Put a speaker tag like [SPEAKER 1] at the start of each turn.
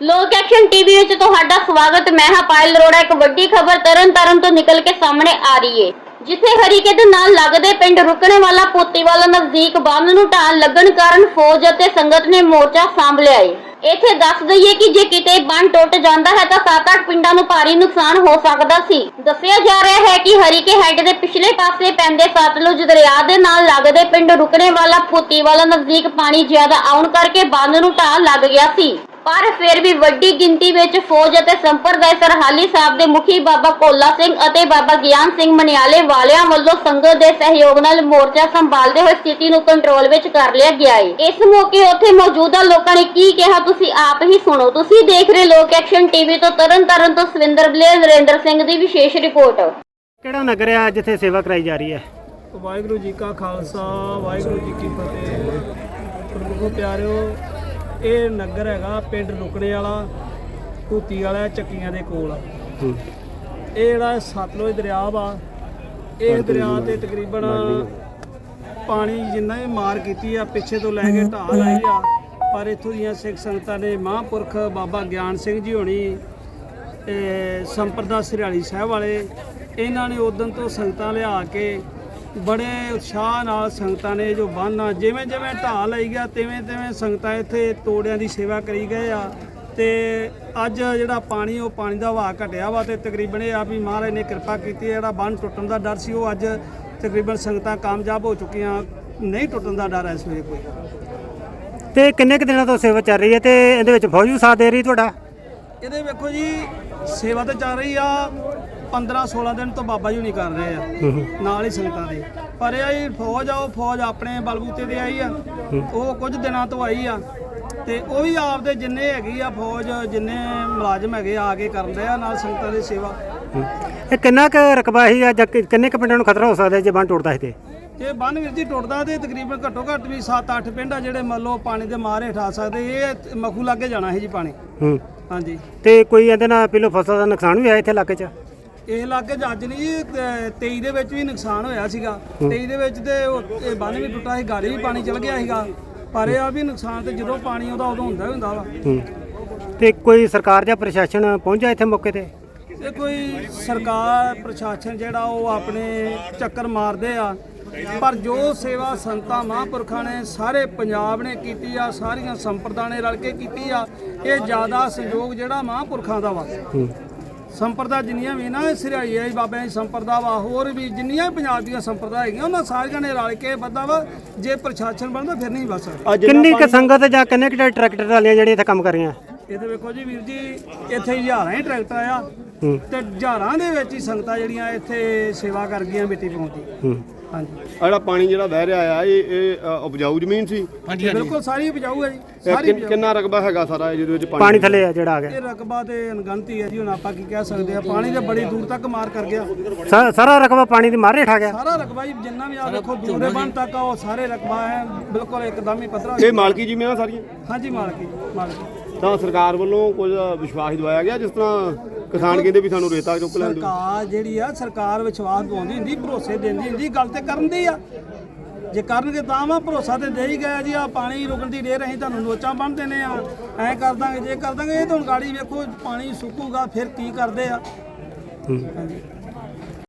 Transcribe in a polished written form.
[SPEAKER 1] ਲੋਕ action TV ਵਿੱਚ ਤੁਹਾਡਾ ਸਵਾਗਤ। ਮੈਂ ਹਾਂ ਪਾਇਲ ਅਰੋੜਾ। ਇੱਕ ਵੱਡੀ ਖਬਰ ਤਰਨਤਾਰਨ ਤੋਂ ਨਿਕਲ ਕੇ ਸਾਹਮਣੇ ਆ ਰਹੀ ਹੈ, ਜਿੱਥੇ ਹਰੀਕੇ ਦੇ ਨਾਲ ਲੱਗਦੇ ਪਿੰਡ ਰੁਕਣੇਵਾਲਾ ਪੋਤੀਵਾਲਾ ਨਜ਼ਦੀਕ ਬੰਦ ਨੂੰ ਢਾਣ ਲੱਗਣ ਕਾਰਨ ਫੌਜ ਅਤੇ ਸੰਗਤ ਨੇ ਮੋਰਚਾ ਸਾਂਭ ਲਿਆ ਹੈ। ਇੱਥੇ ਦੱਸ ਦਈਏ ਕਿ ਜੇ ਕਿਤੇ ਬੰਨ ਟੁੱਟ ਜਾਂਦਾ ਹੈ ਤਾਂ 7-8 ਪਿੰਡਾਂ ਨੂੰ ਭਾਰੀ ਨੁਕਸਾਨ ਹੋ ਸਕਦਾ ਸੀ। ਦੱਸਿਆ ਜਾ ਰਿਹਾ ਹੈ ਕਿ ਹਰੀਕੇ ਹੈੱਡ ਦੇ ਪਿਛਲੇ ਪਾਸੇ ਪੈਂਦੇ ਸਤਲੁਜ ਦਰਿਆ ਦੇ ਨਾਲ ਲੱਗਦੇ ਪਿੰਡ ਰੁਕਣੇਵਾਲਾ ਪੋਤੀਵਾਲਾ ਨਜ਼ਦੀਕ ਪਾਣੀ ਜ਼ਿਆਦਾ ਆਉਣ ਕਰਕੇ ਬੰਨ ਨੂੰ ਢਾਹ ਲੱਗ ਗਿਆ ਸੀ। ਪਰ ਫਿਰ ਵੀ ਵੱਡੀ ਗਿਣਤੀ ਵਿੱਚ ਫੌਜ ਅਤੇ ਸੰਪਰਦਾਇ ਸਰਹਾਲੀ ਸਾਹਿਬ ਦੇ ਮੁਖੀ ਬਾਬਾ ਭੋਲਾ ਸਿੰਘ ਅਤੇ ਬਾਬਾ ਗਿਆਨ ਸਿੰਘ ਮਨਿਆਲੇ ਵਾਲਿਆਂ ਵੱਲੋਂ ਸੰਗਤ ਦੇ ਸਹਿਯੋਗ ਨਾਲ ਮੋਰਚਾ ਸੰਭਾਲਦੇ ਹੋਏ ਸਥਿਤੀ ਨੂੰ ਕੰਟਰੋਲ ਵਿੱਚ ਕਰ ਲਿਆ ਗਿਆ ਹੈ। ਇਸ ਮੌਕੇ ਉੱਥੇ ਮੌਜੂਦਾ ਲੋਕਾਂ ਨੇ ਕੀ ਕਿਹਾ ਤੁਸੀਂ ਆਪ ਹੀ ਸੁਣੋ। ਤੁਸੀਂ ਦੇਖ ਰਹੇ ਲੋਕ ਐਕਸ਼ਨ ਟੀਵੀ ਤੋਂ ਤਰਨਤਾਰਨ ਤੋਂ ਸਵਿੰਦਰ ਬਲੇਰ ਨਰਿੰਦਰ ਸਿੰਘ ਦੀ ਵਿਸ਼ੇਸ਼ ਰਿਪੋਰਟ।
[SPEAKER 2] ਕਿਹੜਾ ਨਗਰ ਹੈ ਜਿੱਥੇ ਸੇਵਾ ਕਰਾਈ ਜਾ ਰਹੀ ਹੈ?
[SPEAKER 3] ਵਾਹਿਗੁਰੂ ਜੀ ਕਾ ਖਾਲਸਾ ਵਾਹਿਗੁਰੂ ਜੀ ਕੀ ਫਤਿਹ। ਪ੍ਰਭੂ ਪਿਆਰਿਓ, ਇਹ ਨਗਰ ਹੈਗਾ ਪਿੰਡ ਰੁਕਣੇ ਵਾਲਾ ਭੂਤੀ ਵਾਲਾ ਚੱਕੀਆਂ ਦੇ ਕੋਲ। ਇਹ ਜਿਹੜਾ ਸਤਲੁਜ ਦਰਿਆ ਵਾ, ਇਹ ਦਰਿਆ ਤੇ ਤਕਰੀਬਨ ਪਾਣੀ ਜਿੰਨਾ ਵੀ ਮਾਰ ਕੀਤੀ ਆ ਪਿੱਛੇ ਤੋਂ ਲੈ ਕੇ ਢਾਹ ਲਾਈ ਆ, ਪਰ ਇੱਥੋਂ ਦੀਆਂ ਸਿੱਖ ਸੰਗਤਾਂ ਨੇ ਮਹਾਂਪੁਰਖ ਬਾਬਾ ਗਿਆਨ ਸਿੰਘ ਜੀ ਹੋਣੀ, ਸੰਪਰਦਾ ਸਰਹਾਲੀ ਸਾਹਿਬ ਵਾਲੇ, ਇਹਨਾਂ ਨੇ ਉਦੋਂ ਤੋਂ ਸੰਗਤਾਂ ਲਿਆ ਕੇ ਬੜੇ ਉਤਸ਼ਾਹ ਨਾਲ ਸੰਗਤਾਂ ਨੇ ਜੋ ਬੰਨ੍ਹ ਜਿਵੇਂ ਜਿਵੇਂ ਢਾਹ ਲਈ ਗਿਆ ਤਿਵੇਂ ਸੰਗਤਾਂ ਇੱਥੇ ਤੋੜਿਆਂ ਦੀ ਸੇਵਾ ਕਰੀ ਗਏ ਆ। ਤੇ ਅੱਜ ਜਿਹੜਾ ਪਾਣੀ ਉਹ ਪਾਣੀ ਦਾ ਵਹਾਅ ਘਟਿਆ ਵਾ ਤੇ ਤਕਰੀਬਨ ਇਹ ਆ ਵੀ ਮਹਾਰਾਜ ਨੇ ਕਿਰਪਾ ਕੀਤੀ। ਜਿਹੜਾ ਬੰਨ੍ਹ ਟੁੱਟਣ ਦਾ ਡਰ ਸੀ ਉਹ ਅੱਜ ਤਕਰੀਬਨ ਸੰਗਤਾਂ ਕਾਮਯਾਬ ਹੋ ਚੁੱਕੀਆਂ, ਨਹੀਂ ਟੁੱਟਣ ਦਾ ਡਰ ਹੈ ਇਸ ਵੇਲੇ ਕੋਈ।
[SPEAKER 2] ਤੇ ਕਿੰਨੇ ਕੁ ਦਿਨਾਂ ਤੋਂ ਸੇਵਾ ਚੱਲ ਰਹੀ ਹੈ ਤੇ ਇਹਦੇ ਵਿੱਚ ਫੌਜ ਵੀ ਸਾਥ ਦੇ ਰਹੀ ਤੁਹਾਡਾ?
[SPEAKER 3] ਇਹਦੇ ਵੇਖੋ ਜੀ, ਸੇਵਾ ਤਾਂ ਚੱਲ ਰਹੀ ਆ 15-16 ਦਿਨ ਤੋਂ ਬਾਬਾ ਜੀ ਨਹੀਂ ਕਰ ਰਹੇ ਆ ਨਾਲ ਹੀ ਸੰਗਤਾਂ ਦੇ, ਪਰ ਇਹ ਫੌਜ ਆ, ਉਹ ਫੌਜ ਆਪਣੇ ਬਲਬੂਤੇ ਤੇ ਆਈ ਆ, ਉਹ ਕੁਝ ਦਿਨਾਂ ਤੋਂ ਆਈ ਆ ਤੇ ਉਹ ਵੀ ਆਪਦੇ ਜਿੰਨੇ ਹੈਗੀ ਆ ਫੌਜ, ਜਿੰਨੇ ਮੁਲਾਜ਼ਮ ਹੈਗੇ ਆ ਕੇ ਕਰਨ ਰਹੇ ਆ ਨਾਲ ਸੰਗਤਾਂ ਦੀ ਸੇਵਾ।
[SPEAKER 2] ਇਹ ਕਿੰਨਾ ਕੁ ਰਕਬਾ ਸੀ ਜਾਂ ਕਿੰਨੇ ਕੁ ਪਿੰਡਾਂ ਨੂੰ ਖਤਰਾ ਹੋ ਸਕਦਾ ਜੇ ਬੰਨ ਟੁੱਟਦਾ ਸੀ? ਤੇ
[SPEAKER 3] ਇਹ ਬੰਨ ਵੀਰ ਜੀ ਟੁੱਟਦਾ ਤੇ ਤਕਰੀਬਨ ਘੱਟੋ ਘੱਟ ਵੀ 7-8 ਪਿੰਡ ਆ ਜਿਹੜੇ ਮੰਨ ਲਓ ਪਾਣੀ ਦੇ ਮਾਰ ਹੇਠ ਆ ਸਕਦੇ। ਇਹ ਮਖੂ ਲਾਗੇ ਜਾਣਾ ਹੈ ਜੀ ਪਾਣੀ। ਹਾਂਜੀ। ਤੇ
[SPEAKER 2] ਕੋਈ ਇਹਦੇ ਨਾਲ ਪਹਿਲੋਂ ਫਸਲ ਦਾ ਨੁਕਸਾਨ ਵੀ ਆਇਆ ਇੱਥੇ ਇਲਾਕੇ 'ਚ?
[SPEAKER 3] ਇਹ ਇਲਾਕੇ 'ਚ ਅੱਜ ਨਹੀਂ, 23 ਦੇ ਵਿੱਚ ਵੀ ਨੁਕਸਾਨ ਹੋਇਆ ਸੀਗਾ। 23 ਦੇ ਵਿੱਚ ਤੇ ਇਹ ਬੰਨ ਵੀ ਟੁੱਟਾ ਸੀ, ਗਾੜੀ ਵੀ ਪਾਣੀ ਚਲ ਗਿਆ ਸੀਗਾ, ਪਰ ਇਹ ਆ ਵੀ ਨੁਕਸਾਨ ਤੇ ਜਦੋਂ ਪਾਣੀ ਆਉਂਦਾ ਉਦੋਂ ਹੁੰਦਾ ਵਾ।
[SPEAKER 2] ਤੇ ਕੋਈ ਸਰਕਾਰ ਜਾਂ ਪ੍ਰਸ਼ਾਸਨ ਪਹੁੰਚਿਆ ਇੱਥੇ ਮੌਕੇ ਤੇ?
[SPEAKER 3] ਇਹ ਕੋਈ ਸਰਕਾਰ ਪ੍ਰਸ਼ਾਸਨ ਜਿਹੜਾ ਉਹ ਆਪਣੇ ਚੱਕਰ ਮਾਰਦੇ ਆ, ਪਰ ਜੋ ਸੇਵਾ ਸੰਤਾਂ ਮਹਾਂਪੁਰਖਾਂ ਨੇ ਸਾਰੇ ਪੰਜਾਬ ਨੇ ਕੀਤੀ ਆ, ਸਾਰੀਆਂ ਸੰਪਰਦਾਵਾਂ ਨੇ ਰਲ ਕੇ ਕੀਤੀ ਆ, ਇਹ ਜ਼ਿਆਦਾ ਸਹਿਯੋਗ ਜਿਹੜਾ ਮਹਾਂਪੁਰਖਾਂ ਦਾ ਵਾ। ਸੰਪਰਦਾ ਜਿੰਨੀਆਂ ਵੀ ਨਾ ਸਰਹਾਈ ਹੈ ਬਾਬਿਆਂ ਦੀ ਸੰਪਰਦਾ ਵਾ, ਹੋਰ ਵੀ ਜਿੰਨੀਆਂ ਪੰਜਾਬ ਦੀਆਂ ਸੰਪਰਦਾ ਹੈਗੀਆਂ ਉਹਨਾਂ ਸਾਰੀਆਂ ਨੇ ਰਲ ਕੇ ਬੱਦਾ ਵਾ। ਜੇ ਪ੍ਰਸ਼ਾਸਨ ਬਣਦਾ ਫਿਰ ਨਹੀਂ ਬਸ।
[SPEAKER 2] ਕਿੰਨੀ ਕੁ ਸੰਗਤ ਜਾਂ ਕਿੰਨੇ ਕੁ ਟਰੈਕਟਰ ਵਾਲੀਆਂ ਜਿਹੜੀਆਂ ਇੱਥੇ ਕੰਮ ਕਰ ਰਹੀਆਂ?
[SPEAKER 3] ਇਹਦੇ ਵੇਖੋ ਜੀ ਵੀਰ ਜੀ, ਇੱਥੇ ਹਜ਼ਾਰਾਂ ਹੀ ਟਰੈਕਟਰ ਆ ਤੇ ਹਜ਼ਾਰਾਂ ਦੇ ਵਿੱਚ ਹੀ ਸੰਗਤਾਂ ਜਿਹੜੀਆਂ ਇੱਥੇ ਸੇਵਾ ਕਰ ਗਈਆਂ ਮਿੱਟੀ ਪਹੁੰਚੀ। ਹਾਂਜੀ।
[SPEAKER 4] ਜਿਹੜਾ ਪਾਣੀ ਜਿਹੜਾ ਵਹਿ ਰਿਹਾ ਆ ਇਹ ਉਪਜਾਊ ਜ਼ਮੀਨ ਸੀ?
[SPEAKER 3] ਹਾਂਜੀ ਬਿਲਕੁਲ ਸਾਰੀ ਉਪਜਾਊ ਹੈ ਜੀ, ਸਾਰੀ।
[SPEAKER 4] ਕਿੰਨਾ ਰਕਬਾ ਹੈਗਾ ਸਾਰਾ ਜਿਹਦੇ ਵਿੱਚ
[SPEAKER 2] ਪਾਣੀ ਥੱਲੇ ਆ ਜਿਹੜਾ ਆ ਗਿਆ?
[SPEAKER 3] ਇਹ ਰਕਬਾ ਤੇ ਅਣਗਿਣਤੀ ਹੈ ਜੀ, ਹੁਣ ਆਪਾਂ ਕੀ ਕਹਿ ਸਕਦੇ ਆ। ਪਾਣੀ ਤੇ ਬੜੀ ਦੂਰ ਤੱਕ ਮਾਰ ਕਰ ਗਿਆ।
[SPEAKER 2] ਸਾਰਾ ਰਕਬਾ ਪਾਣੀ ਦੀ ਮਾਰ ਹੇਠ ਆ ਗਿਆ? ਸਾਰਾ
[SPEAKER 3] ਰਕਬਾ ਜੀ ਜਿੰਨਾ ਵੀ ਆ ਦੇਖੋ ਦੂਰੇ ਬੰਨ ਤੱਕ ਆ, ਉਹ ਸਾਰੇ ਰਕਬਾ ਹੈ ਬਿਲਕੁਲ ਇੱਕਦਮ ਹੀ ਪੱਧਰਾ।
[SPEAKER 4] ਇਹ ਮਾਲਕੀ ਜ਼ਮੀਨਾਂ ਸਾਰੀਆਂ?
[SPEAKER 3] ਹਾਂਜੀ ਮਾਲਕੀ।
[SPEAKER 4] ਤਾਂ ਸਰਕਾਰ ਵੱਲੋਂ ਕੁਝ ਵਿਸ਼ਵਾਸ ਦਵਾਇਆ ਗਿਆ, ਜਿਸ ਤਰ੍ਹਾਂ ਕਿਸਾਨ ਕਹਿੰਦੇ ਵੀ ਸਾਨੂੰ ਰੇਤਾ ਚੁੱਕ ਲੈਣ ਦਿਓ?
[SPEAKER 3] ਸਰਕਾਰ ਜਿਹੜੀ ਆ, ਸਰਕਾਰ ਵਿਸ਼ਵਾਸ ਦਵਾਉਂਦੀ ਹੁੰਦੀ, ਭਰੋਸੇ ਦਿੰਦੀ ਹੁੰਦੀ, ਗੱਲ ਤੇ ਕਰਨ ਦੀ ਆ। ਜੇ ਕਰਨਗੇ ਤਾਂ ਵਾ, ਭਰੋਸਾ ਤੇ ਦੇ ਹੀ ਗਿਆ ਜੀ। ਆ ਪਾਣੀ ਰੁਕਣ ਦੀ ਢੇਰ ਅਸੀਂ ਤੁਹਾਨੂੰ ਨੋਚਾਂ ਬੰਨ ਦੇਣੇ ਆ, ਐਂ ਕਰ ਦਾਂਗੇ, ਜੇ ਕਰ ਦਾਂਗੇ। ਇਹ ਤਾਂ ਹੁਣ ਗਾੜੀ ਵੇਖੋ ਪਾਣੀ ਸੁੱਕੂਗਾ ਫਿਰ ਕੀ ਕਰਦੇ ਆ। ਹਾਂਜੀ।